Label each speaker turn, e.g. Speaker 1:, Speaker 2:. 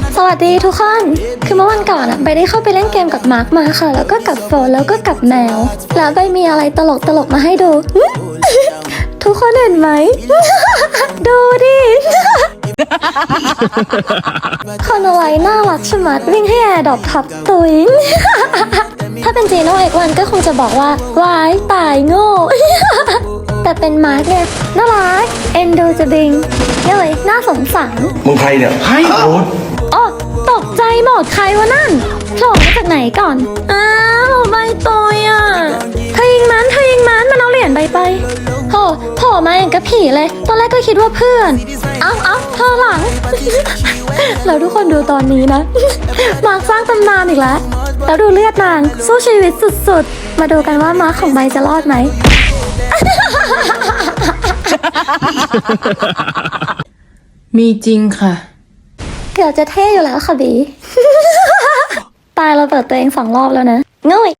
Speaker 1: สวัสดีทุกคน คือเมื่อวันก่อนใบได้เข้าไปเล่นเกมกับมาร์คมาค่ะ แล้วก็กับโฟนแล้วก็กับแมว แล้วใบมีอะไรตลกมาให้ดู ทุกคนเห็นไหม ดูดิ คนเอาไว้น่ารักชะมัดวิ่งให้แอร์ดรอปทับตุย ถ้าเป็นจีโน่เอกวันก็คงจะบอกว่าวายตายโง่ แต่เป็นมาร์คเนี่ยน่ารักเอ็นดูจะบิงเลยน่าสงสาร
Speaker 2: มึงใครเนี่ยใครโอ๊ต
Speaker 1: อ๋อตกใจหมดใครวะนั่นโผล่มาจากไหนก่อน อ้าวใบตอยอ่ะเธอยิงมันมันเอาเหรียญใบไปโผล่มาเองกับผีเลย ตอนแรกก็คิดว่าเพื่อน เอ้าเธอหลัง แล้วทุกคนดูตอนนี้นะ มาร์คสร้างตำนานอีกแล้ว แล้วดูเลือดนางสู้ชีวิตสุดๆ มาดูกันว่ามาร์คของใบจะรอดไหม
Speaker 3: มีจริงค่ะ
Speaker 1: เกือบจะเท่อยู่แล้วค่ะบี ตายเราเปิดตัวเอง2 รอบแล้วนะง่อย